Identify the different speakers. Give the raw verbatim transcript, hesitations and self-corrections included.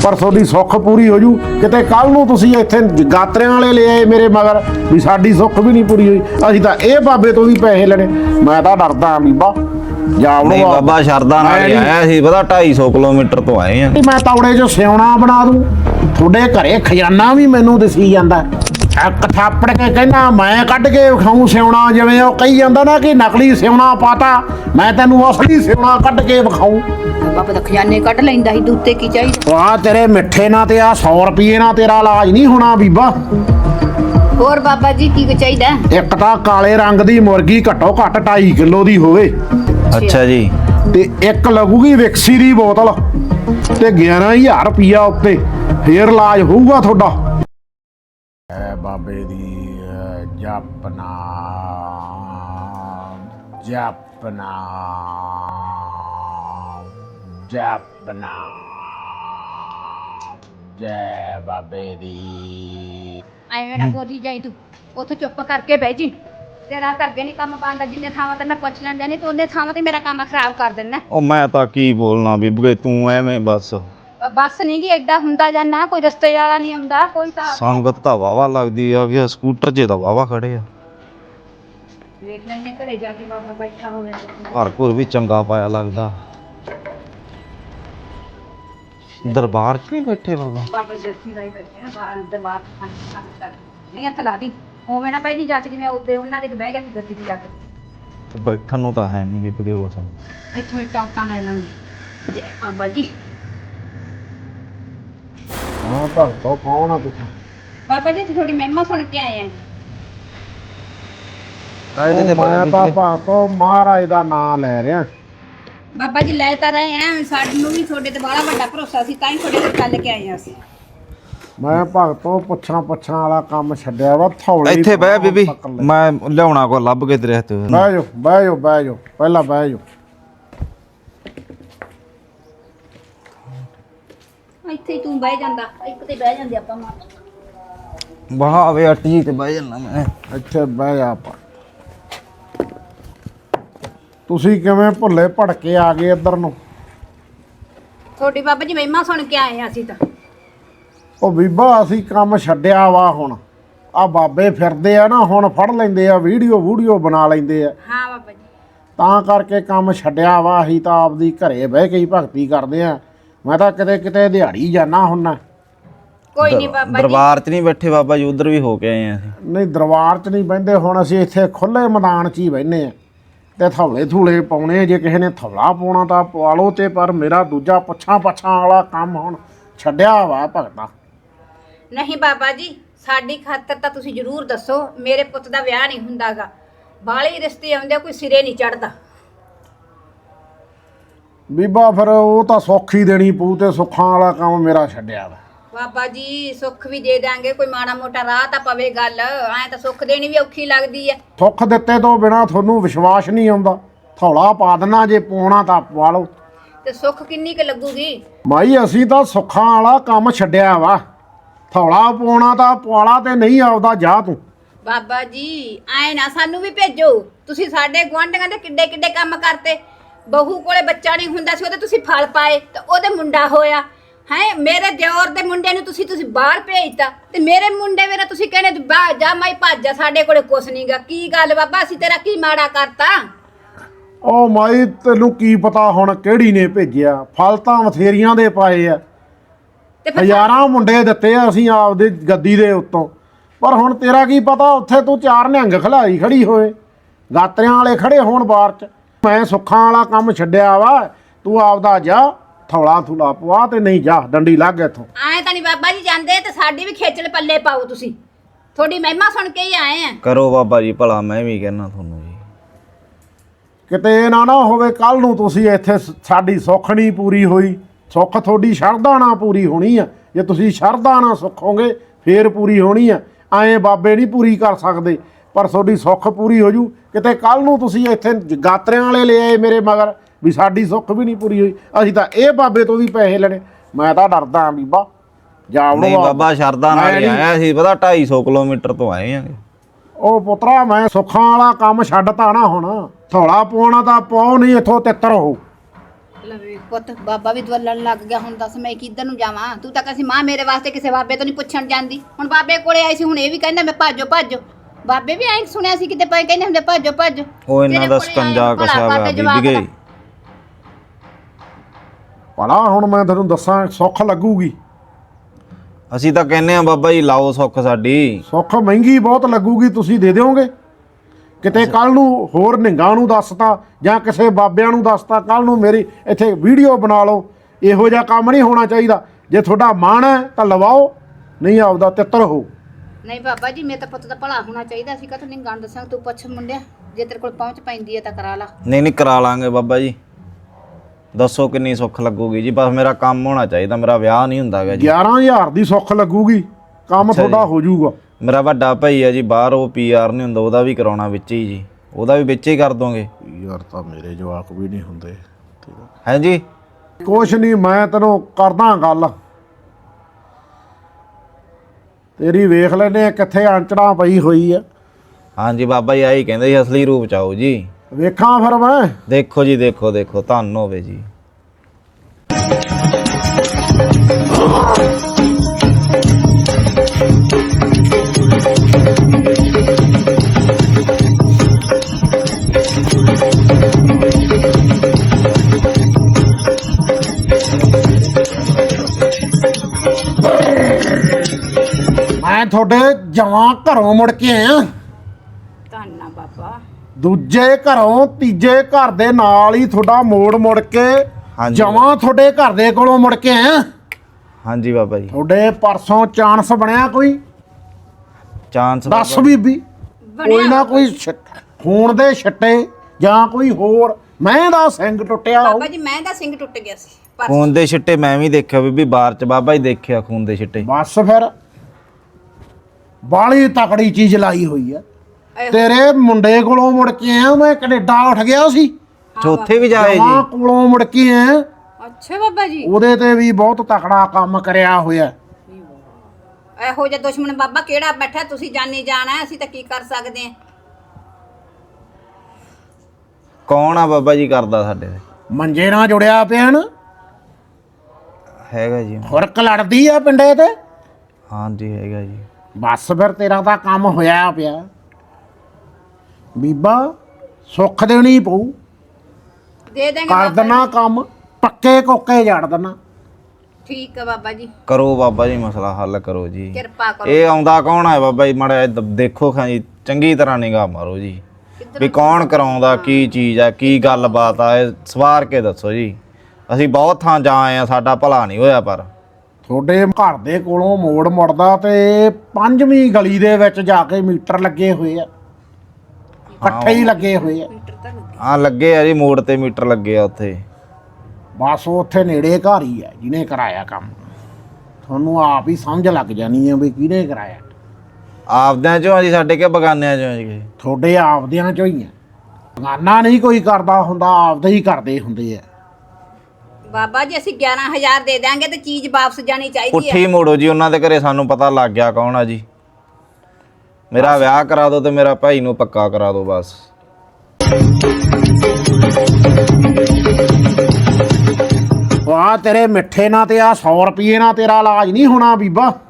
Speaker 1: पर थोड़ी सुख पूरी हो जू किते कल नूं तुसीं इत्थे गात्रियां वाले ले आए मेरे मगर भी साडी सुख भी नहीं पूरी हुई। असीं तां इह बाबे तो भी पैसे लेने। मैं तां डरदा बीबा
Speaker 2: नहीं बाबा शरदा नाल ही आया सी पता ढाई सौ किलोमीटर तो आए हैं।
Speaker 1: मैं तौड़े च सिउणा बना दूं थोड़े घरे खजाना भी मैनू दसी जांदा एक थापड़ के कहना मैं कढ़ के विखाऊं सिउणा जिवें ओह कही जांदा ना कि नकली सिउणा पाता मैं तैनूं असली सिउणा कढ़ के विखाऊं।
Speaker 3: बाबा तो खजाने कढ़ लैंदा ही दूते की चाहिदा।
Speaker 1: वाह तेरे मिठे ना ते आ सौ रुपये ना तेरा इलाज नहीं होना बीबा।
Speaker 3: होर बाबा जी की चाहिदा?
Speaker 1: एक तां काले रंग दी मुर्गी घट्टो घੱਟ ढाई किलो दी होवे।
Speaker 2: अच्छा जी
Speaker 1: ते एक लगूगी विक्सी दी बोतल ते ग्यारह हज़ार रुपया उत्ते फिर इलाज होऊगा थोड़ा। बाबे दी जपना जपना जपना जय बाबे दी।
Speaker 3: ਐਵੇਂ ਨਾ ਬੋਲੀ ਜਾਈ ਤੂੰ ਉੱਥੇ ਚੁੱਪ ਕਰਕੇ ਬਹਿ ਜੀ। ਤੇਰਾ ਕਰਕੇ ਨਹੀਂ ਕੰਮ ਬਣਦਾ ਜਿੰਨੇ ਥਾਵਾਂ ਤੇ ਮੈਂ ਪੁੱਛ ਲੈਂਦੇ ਨਹੀਂ ਤੂੰ ਉਹਨੇ ਥਾਵਾਂ ਤੇ ਮੇਰਾ ਕੰਮ ਖਰਾਬ ਕਰ ਦੇਣਾ।
Speaker 2: ਉਹ ਮੈਂ ਤਾਂ ਕੀ ਬੋਲਣਾ ਬੀਬੇ ਤੂੰ ਐਵੇਂ ਬਸ
Speaker 3: ਬੱਸ ਨਹੀਂ ਗੀ ਐਡਾ ਹੁੰਦਾ ਜਾਂ ਨਾ ਕੋਈ ਰਸਤੇ ਵਾਲਾ ਨਹੀਂ ਆਉਂਦਾ ਕੋਈ ਤਾਂ
Speaker 2: ਸੰਗਤ ਤਾਂ ਵਾਵਾ ਲੱਗਦੀ ਆ ਕਿ ਸਕੂਟਰ ਜੇ ਤਾਂ ਵਾਵਾ ਖੜੇ ਆ।
Speaker 3: ਵੇਖ ਲੈਣੇ ਘਰੇ ਜਾ ਕੇ ਬਾਬਾ ਬੈਠਾ ਹੋਵੇ
Speaker 2: ਘਰ ਘਰ ਵੀ ਚੰਗਾ ਪਾਇਆ ਲੱਗਦਾ। ਦਰਬਾਰ 'ਚ ਨਹੀਂ ਬੈਠੇ ਬਾਬਾ
Speaker 3: ਬਾਬਾ ਜੱਸੀ ਦਾ ਹੀ ਬੈਠੇ ਨਾ ਬਾਹਰ ਦਰਬਾਰ ਖਾਨ ਨਹੀਂ ਹੱਥ ਲਾ ਦੀ ਹੋਵੇ ਨਾ ਪਹਿਲੀ ਜੱਜ ਜਿਵੇਂ ਉੱਤੇ ਉਹਨਾਂ ਦੇ ਬਹਿ ਗਿਆ ਸੀ ਗੱਦੀ ਦੀ ਲੱਗ
Speaker 2: ਬੈਠਣ ਨੂੰ ਤਾਂ ਹੈ ਨਹੀਂ ਬੀਬੇ ਉਹ ਸਭ
Speaker 3: ਇੱਥੋਂ ਟੌਕਾਂ ਲੈ ਲਾਂਗੇ ਜੈ ਬਾਬਾ ਜੀ।
Speaker 1: ਹਾਂ ਭਗਤੋ ਕੌਣ ਆ ਤੁਸੀਂ?
Speaker 3: ਬਾਬਾ ਜੀ ਥੋੜੀ ਮਹਿਮਾ ਸੁਣ ਕੇ ਆਏ ਆ।
Speaker 1: ਮੈਂ ਤਾਂ ਭਗਤੋ ਮਹਾਰਾਜ ਦਾ ਨਾਮ ਲੈ ਰਿਹਾ।
Speaker 3: ਬਾਬਾ ਜੀ ਲੈ ਤਾਂ ਰਹੇ ਆ ਸਾਨੂੰ ਵੀ ਤੁਹਾਡੇ ਤੇ ਬੜਾ ਵੱਡਾ ਭਰੋਸਾ ਸੀ ਤਾਂ ਹੀ ਤੁਹਾਡੇ ਕੋਲ ਚੱਲ ਕੇ ਆਏ ਆ ਅਸੀਂ।
Speaker 1: ਮੈਂ ਭਗਤੋ ਪੁੱਛਾਂ ਪੁੱਛਾਂ ਵਾਲਾ ਕੰਮ ਛੱਡਿਆ ਵਾ ਥੌਲੇ
Speaker 2: ਇੱਥੇ ਬਹਿ ਬੀਬੀ ਮੈਂ ਲਿਆਉਣਾ ਕੋ ਲੱਭ ਕੇ ਤੇਰੇ ਹੱਥ।
Speaker 1: ਬਹਿ ਜਾਓ ਬਹਿ ਜਾਓ ਬਹਿ ਜਾਓ ਪਹਿਲਾਂ ਬਹਿ ਜਾਓ।
Speaker 3: ਇੱਥੇ ਹੀ ਤੂੰ ਬਹਿ ਜਾਂਦਾ ਇੱਕ ਤੇ ਬਹਿ ਜਾਂਦੇ ਆਪਾਂ
Speaker 2: ਵਾਹ ਆਵੇ ਅੱਟੀ ਤੇ ਬਹਿ ਜਾਣਾ ਮੈਂ
Speaker 1: ਇੱਥੇ ਬਹਿ ਜਾ ਆਪਾਂ। ਤੁਸੀਂ ਕਿਵੇਂ ਭੁੱਲੇ ਭੜਕੇ ਆ ਗਏ ਇੱਧਰ ਨੂੰ?
Speaker 3: ਤੁਹਾਡੀ ਬਾਬਾ ਜੀ ਮਹਿਮਾ ਸੁਣ ਕੇ ਆਏ ਆ ਅਸੀਂ ਤਾਂ।
Speaker 1: ਉਹ ਬੀਬਾ ਅਸੀਂ ਕੰਮ ਛੱਡਿਆ ਵਾ ਹੁਣ ਆ ਬਾਬੇ ਫਿਰਦੇ ਆ ਨਾ ਹੁਣ ਫੜ ਲੈਂਦੇ ਆ ਵੀਡੀਓ ਵੂਡੀਓ ਬਣਾ ਲੈਂਦੇ ਆ
Speaker 3: ਹਾਂ ਬਾਬਾ ਜੀ
Speaker 1: ਤਾਂ ਕਰਕੇ ਕੰਮ ਛੱਡਿਆ ਵਾ। ਅਸੀਂ ਤਾਂ ਆਪਦੀ ਘਰੇ ਬਹਿ ਕੇ ਹੀ ਭਗਤੀ ਕਰਦੇ ਆ। ਮੈਂ ਤਾਂ ਕਿਤੇ ਕਿਤੇ ਦਿਹਾੜੀ ਜਾਣਾ ਹੁੰਨਾ।
Speaker 3: ਕੋਈ ਨਹੀਂ ਬਾਬਾ ਜੀ
Speaker 2: ਦਰਬਾਰ 'ਚ ਨਹੀਂ ਬੈਠੇ ਬਾਬਾ ਜੀ ਉਧਰ ਵੀ ਹੋ ਕੇ ਆਏ ਆ ਅਸੀਂ।
Speaker 1: ਨਹੀਂ ਦਰਬਾਰ 'ਚ ਨਹੀਂ ਬਹਿੰਦੇ ਹੁਣ ਅਸੀਂ ਇੱਥੇ ਖੁੱਲ੍ਹੇ ਮੈਦਾਨ 'ਚ ਹੀ ਬਹਿੰਦੇ ਆ ਤੇ ਥੌਲੇ ਥੂਲੇ ਪਾਉਣੇ ਜੇ ਕਿਸੇ ਨੇ ਥੌਲਾ ਪਾਉਣਾ ਤਾਂ ਪਵਾ ਲਓ ਤੇ ਪਰ ਮੇਰਾ ਦੂਜਾ ਪੁੱਛਾਂ ਪੱਛਾਂ ਵਾਲਾ ਕੰਮ ਹੁਣ ਛੱਡਿਆ ਵਾ ਭਗਤਾ।
Speaker 3: ਨਹੀਂ ਬਾਬਾ ਜੀ ਸਾਡੀ ਖਾਤਰ ਤਾਂ ਤੁਸੀਂ ਜ਼ਰੂਰ ਦੱਸੋ ਮੇਰੇ ਪੁੱਤ ਦਾ ਵਿਆਹ ਨਹੀਂ ਹੁੰਦਾਗਾ ਬਾਲੇ ਰਿਸ਼ਤੇ ਆਉਂਦੇ ਕੋਈ ਸਿਰੇ ਨਹੀਂ ਚੜਦਾ।
Speaker 1: ਬੀਬਾ ਫਿਰ ਉਹ ਤਾਂ ਸੁੱਖ ਹੀ ਦੇਣੀ ਪਊ ਤੇ ਸੁੱਖਾਂ ਵਾਲਾ ਕੰਮ ਮੇਰਾ ਛੱਡਿਆ ਵਾ।
Speaker 3: ਬਾਬਾ ਜੀ ਸੁੱਖ ਵੀ ਦੇ ਦਾਂਗੇ ਕੋਈ ਮਾੜਾ ਮੋਟਾ ਰਾਹ ਤਾਂ ਪਵੇ ਗੱਲ ਐ ਤਾਂ ਸੁੱਖ ਦੇਣੀ ਵੀ ਔਖੀ ਲੱਗਦੀ ਐ।
Speaker 1: ਸੁੱਖ ਦਿੱਤੇ ਤੋਂ ਬਿਨਾ ਤੁਹਾਨੂੰ ਵਿਸ਼ਵਾਸ ਨਹੀਂ ਆਉਂਦਾ। ਥੌਲਾ ਪਾ ਦੇਣਾ ਜੇ ਪਾਉਣਾ ਤਾਂ ਪਵਾ ਲਓ।
Speaker 3: ਤੇ ਸੁੱਖ ਕਿੰਨੀ ਕੁ ਲੱਗੂਗੀ?
Speaker 1: ਮਾਈ ਅਸੀਂ ਤਾਂ ਸੁੱਖਾਂ ਵਾਲਾ ਕੰਮ ਛੱਡਿਆ ਵਾ। ਥੌਲਾ ਪਾਉਣਾ ਤਾਂ ਪਵਾਲਾ ਤੇ ਨਹੀਂ ਆਉਦਾ ਜਾ ਤੂੰ।
Speaker 3: ਬਾਬਾ ਜੀ ਐ ਨਾ ਸਾਨੂੰ ਵੀ ਭੇਜੋ ਤੁਸੀਂ ਸਾਡੇ ਗੁਆਂਢੀਆਂ ਦੇ ਕਿੱਡੇ ਕਿੱਡੇ ਕੰਮ ਕਰਤੇ। ਬਹੂ ਕੋਲੇ ਬੱਚਾ ਨਹੀਂ ਹੁੰਦਾ ਸੀ ਉਹਦੇ ਤੁਸੀਂ ਫਲ ਪਾਏ ਤੇ ਉਹਦੇ ਮੁੰਡਾ ਹੋਇਆ ਹੈ। ਮੇਰੇ ਦਿਓਰ ਦੇ ਮੁੰਡੇ ਨੂੰ ਤੁਸੀਂ ਤੁਸੀਂ ਬਾਹਰ ਭੇਜਤਾ ਤੇ ਮੇਰੇ ਮੁੰਡੇ ਵੇਰਾ ਤੁਸੀਂ ਕਹਿੰਦੇ ਬਾਹਰ ਜਾ ਮਾਈ ਭੱਜ ਜਾ ਸਾਡੇ ਕੋਲੇ ਕੁਛ ਨਹੀਂਗਾ। ਕੀ ਗੱਲ ਬਾਬਾ ਅਸੀਂ ਤੇਰਾ ਕੀ ਮਾੜਾ ਕਰਤਾ?
Speaker 1: ਉਹ ਮਾਈ ਤੈਨੂੰ ਕੀ ਪਤਾ ਹੁਣ ਕਿਹੜੀ ਨੇ ਭੇਜਿਆ। ਫਲ ਤਾਂ ਬਥੇਰੀਆਂ ਦੇ ਪਾਏ ਆ
Speaker 3: ਤੇ ਫਿਰ
Speaker 1: ਹਜ਼ਾਰਾਂ ਮੁੰਡੇ ਦਿੱਤੇ ਆ ਅਸੀਂ ਆਪਦੇ ਗੱਦੀ ਦੇ ਉੱਤੋਂ ਪਰ ਹੁਣ ਤੇਰਾ ਕੀ ਪਤਾ ਉੱਥੇ ਤੂੰ ਚਾਰ ਨਿਹੰਗ ਖਲਾਈ ਖੜੀ ਹੋਏ ਗਾਤਰਿਆਂ ਵਾਲੇ ਖੜੇ ਹੋਣ ਬਾਹਰ 'ਚ। ਮੈਂ ਸੁੱਖਾਂ ਵਾਲਾ ਕੰਮ ਛੱਡਿਆ ਵਾ ਤੂੰ ਆਪਦਾ ਜਾ ਥੌਲਾ ਥੁਲਾ ਪਵਾ ਤੇ ਨਹੀਂ ਜਾ ਡੰਡੀ ਲੱਗ ਇੱਥੋਂ।
Speaker 3: ਐ ਤਾਂ ਨਹੀਂ ਬਾਬਾ ਜੀ ਜਾਂਦੇ ਤੇ ਸਾਡੀ ਵੀ ਖੇਚਲ ਪੱਲੇ ਪਾਓ ਤੁਸੀਂ। ਤੁਹਾਡੀ ਮਹਿਮਾ ਸੁਣ ਕੇ ਹੀ ਆਏ ਆ।
Speaker 2: ਕਰੋ ਬਾਬਾ ਜੀ ਭਲਾ ਮੈਂ ਵੀ ਕਹਿਣਾ ਤੁਹਾਨੂੰ ਜੀ।
Speaker 1: ਕਿਤੇ ਇਹ ਨਾ ਨਾ ਹੋਵੇ ਕੱਲ ਨੂੰ ਤੁਸੀਂ ਇੱਥੇ ਸਾਡੀ ਸੁੱਖ ਨਹੀਂ ਪੂਰੀ ਹੋਈ। ਸੁੱਖ ਤੁਹਾਡੀ ਸ਼ਰਧਾ ਨਾਲ ਪੂਰੀ ਹੋਣੀ ਆ। ਜੇ ਤੁਸੀਂ ਸ਼ਰਧਾ ਨਾਲ ਸੁੱਖੋਗੇ ਫੇਰ ਪੂਰੀ ਹੋਣੀ ਆ। ਐਂ ਬਾਬੇ ਨਹੀਂ ਪੂਰੀ ਕਰ ਸਕਦੇ ਪਰ ਤੁਹਾਡੀ ਸੁੱਖ ਪੂਰੀ ਹੋ ਜੂ। ਕਿਤੇ ਕੱਲ ਨੂੰ ਤੁਸੀਂ ਇੱਥੇ ਗਾਤਰਿਆਂ ਵਾਲੇ ਲੈ ਆਏ ਮੇਰੇ ਮਗਰ ਵੀ ਸਾਡੀ ਸੁੱਖ ਵੀ ਨਹੀਂ ਪੂਰੀ ਹੋਈ। ਅਸੀਂ ਤਾਂ ਇਹ ਬਾਬੇ ਤੋਂ ਵੀ ਪੈਸੇ ਲੈਣੇ। ਮੈਂ ਤਾਂ ਡਰਦਾ ਬੀਬਾ ਜਾ।
Speaker 2: ਨਹੀਂ ਬਾਬਾ ਸ਼ਰਦਾ ਨਾਲ ਹੀ ਆਇਆ ਸੀ ਪਤਾ ਢਾਈ ਸੌ ਕਿਲੋਮੀਟਰ ਤੋਂ ਆਏ ਆ।
Speaker 1: ਉਹ ਪੁੱਤਰਾ ਮੈਂ ਸੁੱਖਾਂ ਵਾਲਾ ਕੰਮ ਛੱਡਤਾ ਨਾ ਹੁਣ। ਥੌਲਾ ਪਵਾਉਣਾ ਤਾਂ ਪਾਓ ਨਹੀਂ ਇੱਥੋਂ ਤਿੱਤਰ ਹੋ।
Speaker 3: ਲਵੇ ਪੁੱਤ ਬਾਬਾ ਵੀ ਦਵਲਣ ਲੱਗ ਗਿਆ। ਹੁਣ ਦੱਸ ਮੈਂ ਕਿੱਧਰ ਨੂੰ ਜਾਵਾਂ? ਤੂੰ ਤਾਂ ਕਹਿੰਦੀ ਮਾਂ ਮੇਰੇ ਵਾਸਤੇ ਕਿਸੇ ਬਾਬੇ ਤੋਂ ਨਹੀਂ ਪੁੱਛਣ ਜਾਂਦੀ। ਹੁਣ ਬਾਬੇ ਕੋਲੇ ਆਈ ਸੀ, ਹੁਣ ਇਹ ਵੀ ਕਹਿੰਦਾ ਮੈਂ ਭਾਜੋ ਭਾਜੋ। ਬਾਬੇ ਵੀ ਐਂ ਸੁਣਿਆ ਸੀ ਕਿਤੇ ਪਏ ਕਹਿੰਦੇ ਹੁੰਦੇ ਭਾਜੋ ਭਾਜੋ।
Speaker 2: ਉਹ ਇਹਨਾਂ ਦਾ ਸਕੰਜਾ ਕਸਿਆ ਹੋਇਆ ਬੀਬੀਏ।
Speaker 1: ਭਲਾ ਹੁਣ ਮੈਂ ਤੁਹਾਨੂੰ ਦੱਸਾਂ, ਸੁੱਖ ਲੱਗੂਗੀ।
Speaker 2: ਅਸੀਂ ਤਾਂ ਕਹਿੰਨੇ ਆ ਬਾਬਾ ਜੀ ਲਾਓ ਸੁੱਖ ਸਾਡੀ।
Speaker 1: ਸੁੱਖ ਮਹਿੰਗੀ ਬਹੁਤ ਲੱਗੂਗੀ, ਤੁਸੀਂ ਦੇ ਦਿਓਗੇ? ਕਿਤੇ ਕੱਲ ਨੂੰ ਹੋਰ ਨਿੰਗਾ ਨੂੰ ਦੱਸਤਾ ਜਾਂ ਕਿਸੇ ਬਾਬਿਆਂ ਨੂੰ ਦੱਸਤਾ, ਕੱਲ ਨੂੰ ਮੇਰੀ ਇੱਥੇ ਵੀਡੀਓ ਬਣਾ ਲਓ। ਇਹੋ ਜਿਹਾ ਕੰਮ ਨਹੀਂ ਹੋਣਾ ਚਾਹੀਦਾ। ਜੇ ਤੁਹਾਡਾ ਮਨ ਹੈ ਤਾਂ ਲਵਾਓ, ਨਹੀਂ ਆਪਦਾ ਤਿੱਤਰ ਹੋ।
Speaker 3: ਨਹੀਂ ਬਾਬਾ ਜੀ, ਮੈਂ ਤਾਂ ਪੁੱਤ ਦਾ ਭਲਾ ਹੋਣਾ ਚਾਹੀਦਾ ਸੀ। ਕਾ ਨਹੀਂ ਗੰਢ ਦੱਸਾਂ, ਤੂੰ ਪੁੱਛ ਮੁੰਡਿਆ, ਜੇ ਤੇਰੇ ਕੋਲ ਪਹੁੰਚ ਪੈਂਦੀ ਹੈ ਤਾਂ ਕਰਾ ਲਾ।
Speaker 2: ਨਹੀਂ ਨਹੀਂ ਕਰਾ ਲਾਂਗੇ ਬਾਬਾ ਜੀ। ਦੱਸੋ ਕਿੰਨੀ ਸੁੱਖ ਲੱਗੂਗੀ ਜੀ? ਬਸ ਮੇਰਾ ਕੰਮ ਹੋਣਾ ਚਾਹੀਦਾ, ਮੇਰਾ ਵਿਆਹ ਨਹੀਂ ਹੁੰਦਾ ਗਾ ਜੀ।
Speaker 1: ਗਿਆਰਾਂ ਹਜ਼ਾਰ ਦੀ ਸੁੱਖ ਲੱਗੂਗੀ, ਕੰਮ ਤੁਹਾਡਾ ਹੋ ਜਾਊਗਾ।
Speaker 2: ਮੇਰਾ ਵੱਡਾ ਭਾਈ ਹੈ ਜੀ ਬਾਹਰ, ਉਹ ਪੀ ਆਰ ਨਹੀਂ ਹੁੰਦਾ, ਉਹਦਾ ਵੀ ਕਰਾਉਣਾ ਵਿੱਚ ਹੀ ਜੀ। ਉਹਦਾ ਵੀ ਵਿੱਚ ਹੀ ਕਰ ਦੋਗੇ?
Speaker 1: ਯਾਰ ਤਾਂ ਮੇਰੇ ਜਵਾਕ ਵੀ ਨਹੀਂ ਹੁੰਦੇ।
Speaker 2: ਹੈ ਜੀ
Speaker 1: ਕੁਛ ਨਹੀਂ, ਮੈਂ ਤੈਨੂੰ ਕਰਦਾ ਗੱਲ, ਤੇਰੀ ਵੇਖ ਲੈਨੇ ਆ ਕਿੱਥੇ ਆਂਚੜਾ ਪਈ ਹੋਈ ਆ।
Speaker 2: ਹਾਂਜੀ ਬਾਬਾ ਜੀ ਆਹੀ ਕਹਿੰਦੇ ਸੀ, ਅਸਲੀ ਰੂਪ ਚ ਆਓ ਜੀ।
Speaker 1: ਵੇਖਾਂ ਫਿਰ ਮੈਂ।
Speaker 2: ਦੇਖੋ ਜੀ ਦੇਖੋ ਦੇਖੋ, ਧੰਨ ਹੋਵੇ ਜੀ।
Speaker 1: ਮੈਂ ਤੁਹਾਡੇ ਜਵਾਂ ਘਰੋਂ ਮੁੜ ਕੇ ਆਇਆ,
Speaker 3: ਧੰਨਾ ਬਾਬਾ।
Speaker 1: ਦੂਜੇ ਘਰੋਂ ਤੀਜੇ ਘਰ ਦੇ ਨਾਲ ਹੀ ਤੁਹਾਡਾ ਮੋੜ ਮੁੜ ਕੇ
Speaker 2: ਹਾਂਜੀ।
Speaker 1: ਜਵਾਂ ਤੁਹਾਡੇ ਘਰ ਦੇ ਕੋਲੋਂ ਮੁੜ ਕੇ ਆਇਆ।
Speaker 2: ਹਾਂਜੀ ਬਾਬਾ ਜੀ।
Speaker 1: ਤੁਹਾਡੇ ਪਰਸੋਂ ਚਾਂਸ ਬਣਿਆ ਕੋਈ?
Speaker 2: ਚਾਂਸ
Speaker 1: ਦੱਸ ਬੀਬੀ, ਕੋਈ ਨਾ ਕੋਈ ਛਿੱਟ- ਖੂਨ ਦੇ ਛੱਟੇ ਜਾਂ ਕੋਈ ਹੋਰ ਮੈਂ ਦਾ ਸਿੰਘ ਟੁੱਟਿਆ ਹੋਊ।
Speaker 3: ਬਾਬਾ ਜੀ ਮੈਂ ਦਾ ਸਿੰਘ ਟੁੱਟ ਗਿਆ ਸੀ ਪਰ
Speaker 2: ਖੂਨ ਦੇ ਛਿੱਟੇ ਮੈਂ ਵੀ ਦੇਖਿਆ ਬੀਬੀ ਬਾਹਰ ਚ। ਬਾਬਾ ਜੀ ਦੇਖਿਆ ਖੂਨ ਦੇ ਛਿੱਟੇ।
Speaker 1: ਬਸ ਫਿਰ ਬਾਲੀ ਤਕੜੀ ਚੀਜ਼ ਲਾਈ ਹੋਈ ਆ।
Speaker 3: ਇਹੋ-
Speaker 1: ਤੇਰੇ ਮੁੰਡੇ ਕੋਲੋਂ ਮੁੜ ਕੇ ਆਇਆ ਮੈਂ, ਕੈਨੇਡਾ ਉੱਠ ਗਿਆ ਸੀ,
Speaker 2: ਚੌਥੇ ਵੀ ਜਾਏ
Speaker 1: ਜਵਾਂ
Speaker 2: ਜੀ।
Speaker 1: ਕੋਲੋਂ ਮੁੜ ਕੇ ਆਇਆ।
Speaker 3: ਅੱਛਾ ਬਾਬਾ ਜੀ,
Speaker 1: ਉਹਦੇ ਤੇ ਵੀ ਬਹੁਤ ਤਕੜਾ ਕੰਮ ਕਰਿਆ ਹੋਇਆ।
Speaker 3: ਇਹੋ ਜਿਹਾ ਦੁਸ਼ਮਣ ਬਾਬਾ ਕਿਹੜਾ ਬੈਠਾ? ਤੁਸੀਂ ਜਾਣੀ ਜਾਣਾ, ਅਸੀਂ ਤਾਂ ਕੀ ਕਰ ਸਕਦੇ ਹਾਂ?
Speaker 2: ਕੌਣ ਆ ਬਾਬਾ ਜੀ ਕਰਦਾ ਸਾਡੇ ਤੇ?
Speaker 1: ਮੰਜੇ ਨਾਲ ਜੁੜਿਆ ਪਿਆ ਨਾ,
Speaker 2: ਹੈਗਾ ਜੀ।
Speaker 1: ਖੁਰਕ ਲੜਦੀ ਆ ਪਿੰਡੇ ਤੇ।
Speaker 2: ਹਾਂਜੀ ਹੈਗਾ ਜੀ।
Speaker 1: ਬਸ ਫਿਰ ਤੇਰਾ ਤਾਂ ਕੰਮ ਹੋਇਆ ਪਿਆ। ਬੀਬਾ ਸੁੱਖ ਦੇਣੀ ਪਊ,
Speaker 3: ਦੇ ਦੇਂਗੇ
Speaker 1: ਕਰ
Speaker 3: ਬਾਬਾ
Speaker 1: ਦੇਣਾ ਕੰਮ, ਪੱਕੇ ਕੋਕੇ ਜੜ ਦੇਣਾ।
Speaker 3: ਠੀਕ ਹੈ ਬਾਬਾ ਜੀ,
Speaker 2: ਕਰੋ ਬਾਬਾ ਜੀ, ਮਸਲਾ ਹੱਲ ਕਰੋ ਜੀ।
Speaker 3: ਕਿਰਪਾ ਕਰੋ।
Speaker 2: ਇਹ ਆਉਂਦਾ ਕੌਣ ਹੈ ਬਾਬਾ ਜੀ? ਮਾੜਾ ਜਿਹਾ ਦੇਖੋ ਖਾਂ ਜੀ, ਚੰਗੀ ਤਰ੍ਹਾਂ ਨਿਗਾਹ ਮਾਰੋ ਜੀ ਵੀ ਕੌਣ ਕਰਾਉਂਦਾ, ਕੀ ਚੀਜ਼ ਆ, ਕੀ ਗੱਲਬਾਤ ਆ, ਇਹ ਸਵਾਰ ਕੇ ਦੱਸੋ ਜੀ। ਅਸੀਂ ਬਹੁਤ ਥਾਂ ਜਾ ਆਏ ਆ, ਸਾਡਾ ਭਲਾ ਨਹੀਂ ਹੋਇਆ। ਪਰ
Speaker 1: ਤੁਹਾਡੇ ਘਰ ਦੇ ਕੋਲੋਂ ਮੋੜ ਮੁੜਦਾ ਤੇ ਪੰਜਵੀਂ ਗਲੀ ਦੇ ਵਿੱਚ ਜਾ ਕੇ ਮੀਟਰ ਲੱਗੇ ਹੋਏ ਆ, ਇਕੱਠੇ ਹੀ ਲੱਗੇ ਹੋਏ ਆ।
Speaker 3: ਮੀਟਰ ਤਾਂ ਲੱਗੇ।
Speaker 2: ਹਾਂ ਲੱਗੇ ਆ ਜੀ, ਮੋੜ ਤੇ ਮੀਟਰ ਲੱਗੇ ਆ ਉੱਥੇ।
Speaker 1: ਬਸ ਉਹ ਉੱਥੇ ਨੇੜੇ ਘਰ ਹੀ ਆ ਜਿਹਨੇ ਕਰਾਇਆ ਕੰਮ। ਤੁਹਾਨੂੰ ਆਪ ਹੀ ਸਮਝ ਲੱਗ ਜਾਣੀ ਆ ਵੀ ਕਿਹਨੇ ਕਰਾਇਆ।
Speaker 2: ਆਪਦਿਆਂ ਚੋਂ ਆ ਜੀ, ਸਾਡੇ ਕੇ ਬਗਾਨਿਆਂ ਚੋਂ ਆ ਜੀ?
Speaker 1: ਤੁਹਾਡੇ ਆਪਦਿਆਂ ਚੋਂ ਹੀ ਆ, ਬਗਾਨਾ ਨਹੀਂ ਕੋਈ ਕਰਦਾ ਹੁੰਦਾ, ਆਪਦੇ ਹੀ ਕਰਦੇ ਹੁੰਦੇ ਆ।
Speaker 3: ਬਾਬਾ ਜੀ ਅਸੀਂ ਗਿਆਰਾਂ ਹਜ਼ਾਰ ਦੇ ਦਾਂਗੇ ਤੇ ਚੀਜ਼ ਵਾਪਸ ਜਾਣੀ ਚਾਹੀਦੀ
Speaker 2: ਪੁੱਠੀ
Speaker 3: ਹੈ।
Speaker 2: ਮੋੜੋ ਜੀ, ਉਹਨਾਂ ਦੇ ਘਰੇ ਸਾਨੂੰ ਪਤਾ ਲੱਗ ਗਿਆ ਕੌਣ ਆ ਜੀ। ਮੇਰਾ ਵਿਆਹ ਕਰਾ ਦਿਓ ਤੇ ਮੇਰਾ ਭਾਈ ਨੂੰ ਪੱਕਾ ਕਰਾ ਦਿਓ ਬਸ।
Speaker 1: ਆ ਤੇਰੇ ਮਿੱਠੇ ਨਾਲ ਤੇ ਆ ਸੌ ਰੁਪਏ ਨਾਲ ਤੇਰਾ ਇਲਾਜ ਨਹੀਂ ਹੋਣਾ ਬੀਬਾ।